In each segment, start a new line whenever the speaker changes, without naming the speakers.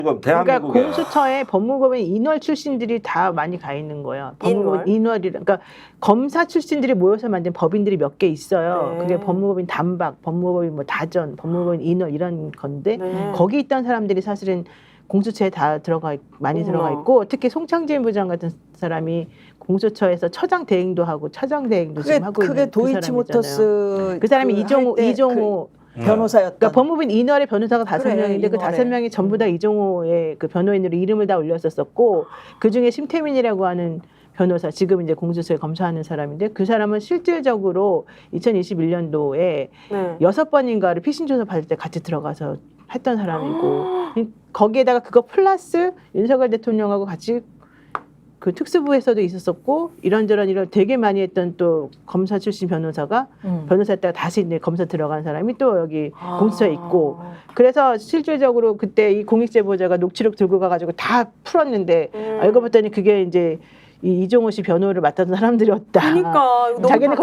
지금
그러니까
대한민국에
공수처에 법무법인 인월 출신들이 다 많이 가 있는 거예요. 법무법인 인월이 그러니까 검사 출신들이 모여서 만든 법인들이 몇 개 있어요.
네.
그게 법무법인 단박, 법무법인 뭐 다전, 법무법인 인월 이런 건데
네.
거기 있던 사람들이 사실은 공수처에 다 많이 들어가 있고 특히 송창진 부장 같은 사람이 공수처에서 처장 대행도 하고 차장 대행도 지금 하고 있는 그
도이치모터스
그 사람이 이종호
변호사였던.
그러니까 법무부인 인월의 변호사가 5명인데 그
인월에.
5명이 전부 다 이종호의 그 변호인으로 이름을 다 올렸었었고 그 중에 심태민이라고 하는 변호사 지금 이제 공수처에 검사하는 사람인데 그 사람은 실질적으로 2021년도에
네.
6번인가를 피신 조사 받을 때 같이 들어가서 했던 사람이고 거기에다가 그거 플러스 윤석열 대통령하고 같이 그 특수부에서도 있었었고 이런 되게 많이 했던 또 검사 출신 변호사가 변호사였다가 다시 이제 검사 들어간 사람이 또 여기 공수처에 있고 그래서 실질적으로 그때 이 공익제보자가 녹취록 들고 가가지고 다 풀었는데 알고 봤더니 그게 이제 이종호 씨 변호를 맡았던 사람들이었다.
그러니까
자기는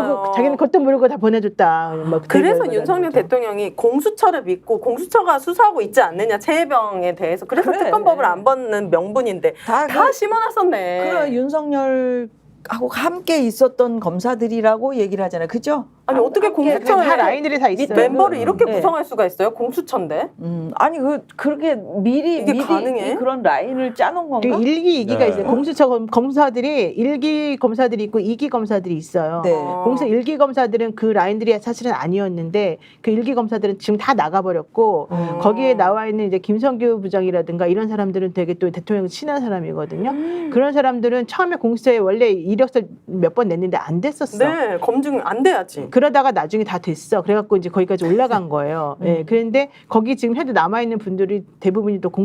그것도 모르고 다 보내줬다.
그래서 윤석열 대통령이 공수처를 믿고 공수처가 수사하고 있지 않느냐 최혜병에 대해서 그래서 특검법을 안 받는 명분인데 다 심어놨었네.
그래 윤석열하고 함께 있었던 검사들이라고 얘기를 하잖아요. 그죠?
아니 어떻게 공수처에
다 라인들이 다 있어요.
멤버를 이렇게 구성할 수가 있어요? 공수처인데?
아니 그렇게 미리
가능해?
그런 라인을 짜놓은 건가?
1기, 2기가 있어요. 공수처 검사들이 1기 검사들이 있고 2기 검사들이 있어요.
네.
공수처 1기 검사들은 그 라인들이 사실은 아니었는데 그 1기 검사들은 지금 다 나가버렸고 거기에 나와 있는 이제 김성규 부장이라든가 이런 사람들은 되게 또 대통령 친한 사람이거든요. 그런 사람들은 처음에 공수처에 원래 이력서 몇 번 냈는데 안 됐었어.
네, 검증 안 돼야지.
그러다가 나중에 다 됐어. 그래갖고 이제 거기까지 올라간 거예요. 예, 그런데 거기 지금 현재 남아있는 분들이 대부분이 또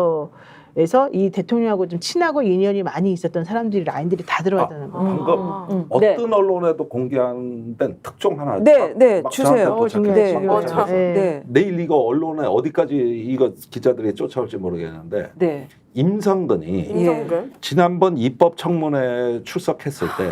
공수처에서 이 대통령하고 좀 친하고 인연이 많이 있었던 사람들이 라인들이 다 들어가잖아요.
방금 어떤 언론에도 공개한 데는 특종 하나 막
주세요.
도착했어요.
네.
내일 이거 언론에 어디까지 이거 기자들이 쫓아올지 모르겠는데
네.
임성근이 지난번 입법청문회 출석했을 때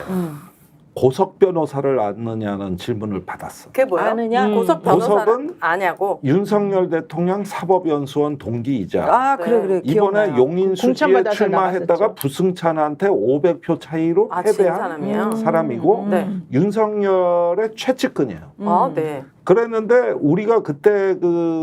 고석 변호사를 아느냐는 질문을 받았어.
그게 뭐야?
아느냐?
고석 변호사를
고석은
아냐고.
윤석열 대통령 사법연수원 동기이자
그래
이번에
기억나요.
용인수지에 출마했다가 부승찬한테 500표 차이로 패배한 사람이고 윤석열의 최측근이에요.
네.
그랬는데 우리가 그때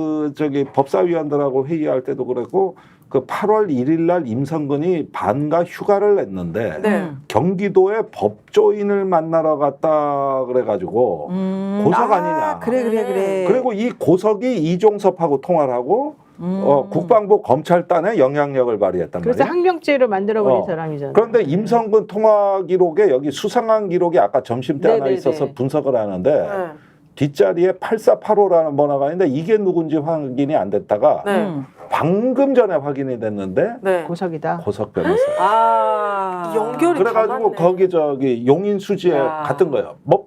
법사위원들하고 회의할 때도 그랬고 그 8월 1일 날 임성근이 반가 휴가를 냈는데 경기도에 법조인을 만나러 갔다 그래가지고 고석 아니냐.
그래.
그리고 이 고석이 이종섭하고 통화를 하고 국방부 검찰단에 영향력을 발휘했단 말이에요.
그래서 항명죄로 만들어버린 사람이잖아요.
그런데 임성근 통화 기록에 여기 수상한 기록이 아까 점심 때 하나 있어서 분석을 하는데 뒷자리에 8485라는 번호가 있는데 이게 누군지 확인이 안 됐다가 방금 전에 확인이 됐는데
고석이다.
고석 변호사.
연결이
그래가지고 거기 용인 수지에 갔던 거예요. 뭐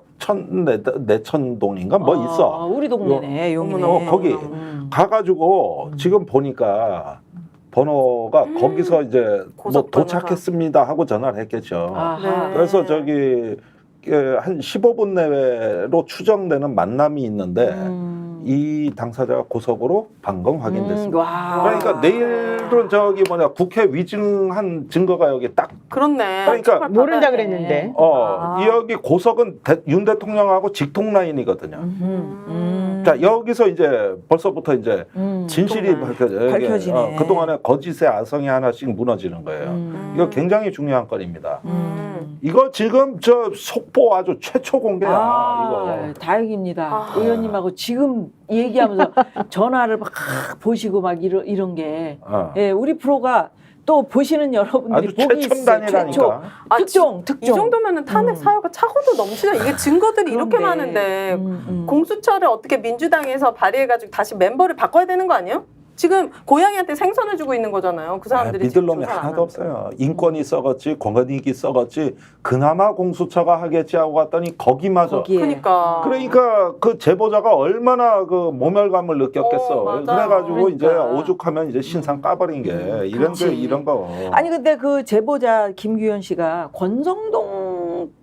내천동인가 뭐 있어.
우리 동네네 용인에.
거기 가가지고 지금 보니까 번호가 거기서 이제 뭐 도착했습니다 하고 전화를 했겠죠. 그래서 한 15분 내외로 추정되는 만남이 있는데 이 당사자가 고석으로 방금 확인됐습니다. 그러니까 내일은 국회 위증한 증거가 여기 딱.
그렇네.
그러니까
모른다 그랬는데.
여기 고석은 윤 대통령하고 직통 라인이거든요. 자 여기서 이제 벌써부터 이제 진실이 밝혀지네. 그동안에 거짓의 아성이 하나씩 무너지는 거예요. 이거 굉장히 중요한 건입니다. 이거 지금 속보 아주 최초 공개야. 이거.
다행입니다. 의원님하고 지금 얘기하면서 전화를 막 보시고 막 이런 게 우리 프로가 또 보시는 여러분들이 보기
최첨단이라니까.
특종.
이 정도면은 탄핵 사유가 차고도 넘치죠. 이게 증거들이 이렇게 많은데 공수처를 어떻게 민주당에서 발의해가지고 다시 멤버를 바꿔야 되는 거 아니에요? 지금 고양이한테 생선을 주고 있는 거잖아요. 그 사람들이
믿을 놈이 하나도 없어요. 인권이 썩었지, 권익이 썩었지, 그나마 공수처가 하겠지 하고 갔더니 거기마저.
그러니까
그 제보자가 얼마나 그 모멸감을 느꼈겠어. 그래가지고 이제 오죽하면 이제 신상 까버린 게 이런 거.
아니 근데 그 제보자 김규현 씨가 권성동 때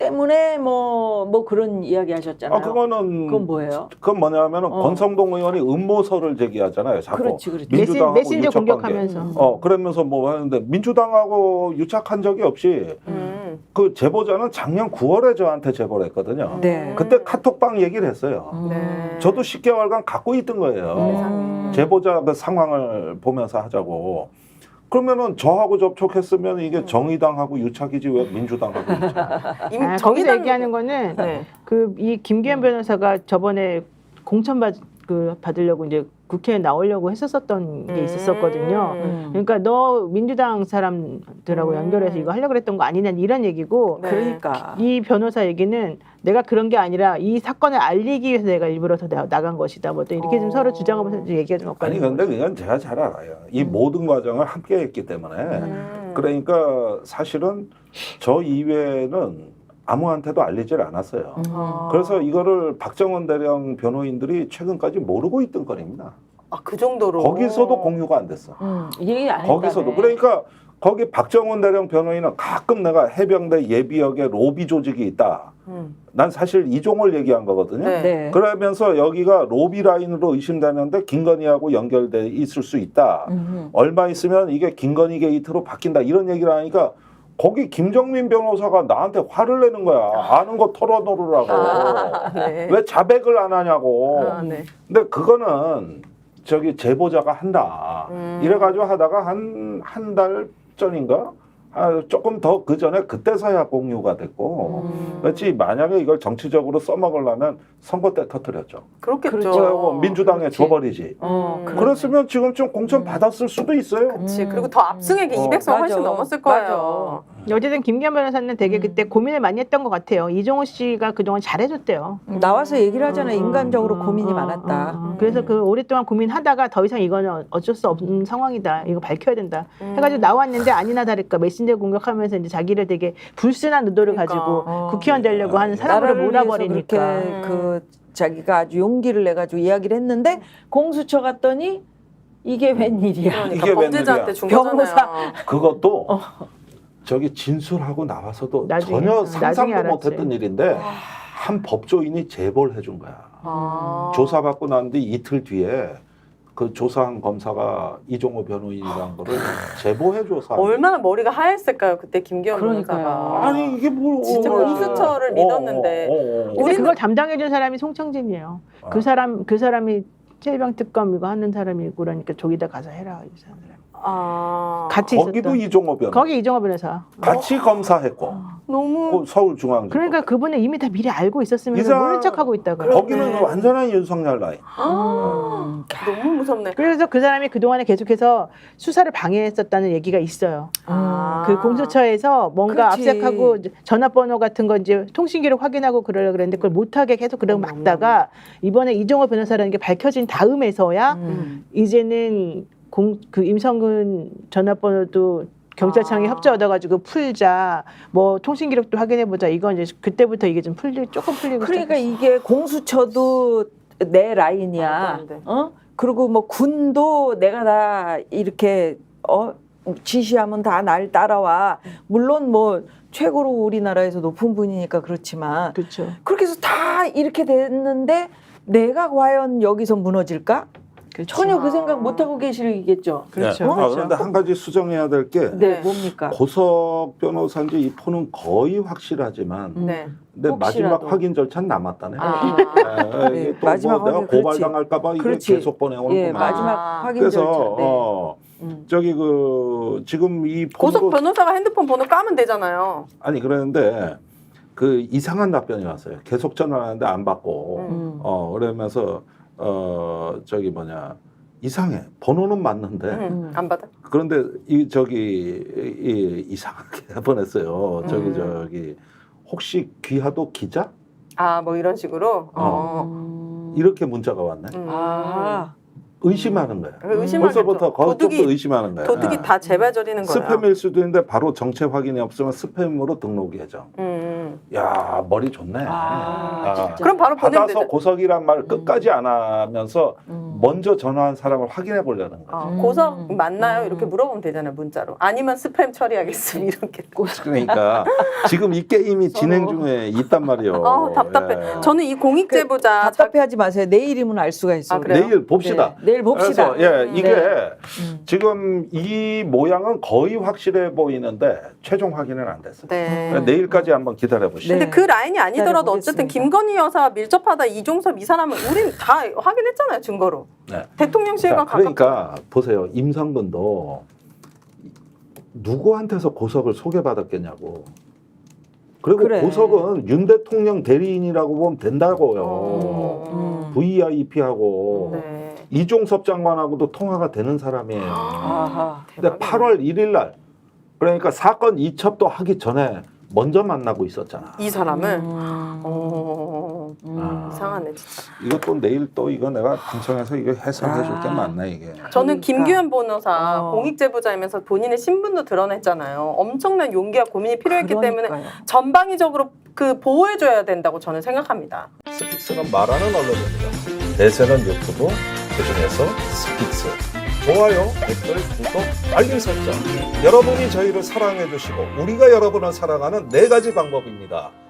때문에 뭐 그런 이야기 하셨잖아요.
그거는
그건 뭐예요?
그건 뭐냐면은 권성동 의원이 음모설을 제기하잖아요. 자꾸.
그렇지.
민주당하고
메신저
유착관계.
공격하면서.
그러면서 뭐 하는데 민주당하고 유착한 적이 없이 그 제보자는 작년 9월에 저한테 제보를 했거든요.
네.
그때 카톡방 얘기를 했어요.
네.
저도 10개월간 갖고 있던 거예요.
세상에.
제보자 그 상황을 보면서 하자고. 그러면은 저하고 접촉했으면 이게 정의당하고 유착이지 왜 민주당하고 유착?
거기서
정의당
얘기하는 거는
네.
이 김기현 변호사가 저번에 공천 받으려고 이제 국회에 나오려고 했었던 게 있었거든요. 그러니까 너 민주당 사람들하고 연결해서 이거 하려고 그랬던 거 아니냐 이런 얘기고
네.
그러니까
이 변호사 얘기는 내가 그런 게 아니라 이 사건을 알리기 위해서 내가 일부러 더 나간 것이다. 뭐 또 이렇게 좀 서로 주장하면서 얘기가 좀
아니
엇갈리는
근데 그건 제가 잘 알아요. 이 모든 과정을 함께 했기 때문에 그러니까 사실은 저 이외에는 아무한테도 알리질 않았어요. 그래서 이거를 박정원 대령 변호인들이 최근까지 모르고 있던 거입니다.
그 정도로
거기서도 공유가 안 됐어.
얘기 안
거기서도
했다네.
그러니까 거기 박정원 대령 변호인은 가끔 내가 해병대 예비역에 로비 조직이 있다. 난 사실 이종을 얘기한 거거든요.
네.
네.
그러면서 여기가 로비 라인으로 의심되는데 김건희하고 연결돼 있을 수 있다. 얼마 있으면 이게 김건희 게이트로 바뀐다. 이런 얘기를 하니까 거기 김정민 변호사가 나한테 화를 내는 거야. 아는 거 털어놓으라고.
네.
왜 자백을 안 하냐고.
네.
근데 그거는 저기 제보자가 한다. 이래가지고 하다가 한 달 전인가? 조금 더 그 전에 그때서야 공유가 됐고. 그렇지 만약에 이걸 정치적으로 써먹으려면 선거 때 터뜨렸죠.
그렇겠죠.
그래고 민주당에
그렇지.
줘버리지.
그러네.
그랬으면 지금 좀 공천 받았을 수도 있어요.
그렇지. 그리고 더 압승액이 200석 훨씬
맞아.
넘었을 거예요.
어쨌든 김기현 변호사는 되게 그때 고민을 많이 했던 것 같아요. 이종호 씨가 그동안 잘해줬대요.
나와서 얘기를 하잖아. 인간적으로 고민이 많았다.
그래서 그 오랫동안 고민하다가 더 이상 이거는 어쩔 수 없는 상황이다. 이거 밝혀야 된다. 해가지고 나왔는데 아니나 다를까 메신저 공격하면서 이제 자기를 되게 불순한 의도를
그러니까.
가지고 국회의원 되려고 하는 사람으로
나라를 위해서
몰아버리니까.
그렇게 그 자기가 아주 용기를 내 가지고 이야기를 했는데 공수처 갔더니 이게 웬일이야.
그러니까
이게
범죄자한테
웬일이야.
준
변호사.
거잖아요.
그것도 저기 진술하고 나와서도
나중에,
전혀
나중에
상상도
알았지.
못했던 일인데 한 법조인이 제보를 해준 거야. 조사받고 난 뒤 이틀 뒤에 그 조사한 검사가 이종호 변호인이라는 거를 제보해줘서
얼마나 머리가 하였을까요 그때 김기현
그러니까요.
변호사가.
아니 이게 뭐
진짜 공수처를 믿었는데.
근데
우리는-
그걸 담당해준 사람이 송창진이에요. 그 사람이 최일병 특검 이거 하는 사람이고 그러니까 저기다 가서 해라 이 사람들. 같이
거기도
있었던.
이종호 변호
거기 이종호 변호사.
같이 검사했고
너무
그 서울중앙지법
그러니까 그분은 이미 다 미리 알고 있었으면서
이상-
모른 척하고 있다가.
거기는
네.
완전한 윤석열 라인.
너무 무섭네.
그래서 그 사람이 그동안에 계속해서 수사를 방해했었다는 얘기가 있어요. 그 공수처에서 뭔가
그렇지.
압색하고 전화번호 같은 거 이제 통신기록 확인하고 그러려고 그랬는데 그걸 못하게 계속 그러고 막다가 이번에 이종호 변호사라는 게 밝혀진 다음에서야 이제는 그 임성근 전화번호도 경찰청에 협조 얻어가지고 풀자, 뭐 통신기록도 확인해보자. 이건 이제 그때부터 이게 좀 조금 풀리고.
그러니까
시작했어요.
이게 공수처도 내
말도
라인이야.
안 돼.
그리고 뭐 군도 내가 다 이렇게 지시하면 다 날 따라와. 물론 뭐 최고로 우리나라에서 높은 분이니까 그렇지만
그렇죠.
그렇게 해서 다 이렇게 됐는데 내가 과연 여기서 무너질까? 전혀 그 생각 못 하고 계시겠죠.
그렇죠.
네.
그렇죠.
그런데 한 가지 수정해야 될 게
네, 뭡니까?
고석 변호사인지 이 폰은 거의 확실하지만
네.
근데
혹시라도.
마지막 확인 절차는 남았다네.
네,
이게 또
마지막
뭐 내가
확인, 그렇지.
고발당할까봐 이게
그렇지.
계속 보내오는
예,
구만.
마지막 확인
그래서
절차. 네.
저기 그 지금 이
고속
폰으로
변호사가 핸드폰 번호 까면 되잖아요.
아니 그랬는데 그 이상한 답변이 왔어요. 계속 전화하는데 안 받고 그러면서 저기 뭐냐 이상해. 번호는 맞는데
안 받아.
그런데 이상하게 보냈어요. 저기 혹시 귀하도 기자?
뭐 이런 식으로.
이렇게 문자가 왔네. 의심하는 거야. 벌써부터 그쪽도 의심하는 거야.
도둑이 다 재발저리는 거야.
스팸일 수도 있는데 바로 정체 확인이 없으면 스팸으로 등록 예정. 야 머리 좋네.
진짜.
그럼 바로 보내면
받아서
되죠.
고석이란 말을 끝까지 안 하면서 먼저 전화한 사람을 확인해 보려는 거야.
고석 맞나요? 이렇게 물어보면 되잖아요, 문자로. 아니면 스팸 처리하겠습니다. 이렇게.
그러니까 지금 이 게임이 진행 중에 있단 말이에요.
답답해.
예.
저는 이 공익제보자
답답해하지 마세요. 내일이면 알 수가 있어요.
아, 그래요?
내일 봅시다.
네, 내일 봅시다.
그래서 이게
네.
지금 이 모양은 거의 확실해 보이는데 최종 확인은 안 됐어요.
네.
그러니까 내일까지 한번 기다려 보시죠.
근데
네.
그 라인이 아니더라도 어쨌든
기다려보겠습니다.
김건희 여사 밀접하다 이종섭 이 사람은 우린 다 확인했잖아요, 증거로.
네.
대통령실과
자,
가깝다.
그러니까 보세요. 임성근도 누구한테서 고석을 소개받았겠냐고. 그리고
그래.
고석은 윤 대통령 대리인이라고 보면 된다고요. VIP하고
네.
이종섭 장관하고도 통화가 되는 사람이에요.
아하.
근데
대박이네.
8월 1일 날 그러니까 사건 이첩도 하기 전에 먼저 만나고 있었잖아.
이 사람을
아.
이상하네 진짜.
이것도 내일 또 이거 내가 방송에서 이거 해설해 줄 게 많나 이게.
저는
그러니까.
김규현 변호사
어.
공익제보자이면서 본인의 신분도 드러냈잖아요. 엄청난 용기와 고민이 필요했기 때문에
그러니까요.
전방위적으로 그 보호해줘야 된다고 저는 생각합니다.
스픽스는 말하는 언론입니다. 대세는 유튜브, 그중에서 스픽스. 좋아요, 댓글, 구독, 알림 설정. 여러분이 저희를 사랑해 주시고 우리가 여러분을 사랑하는 4가지 방법입니다.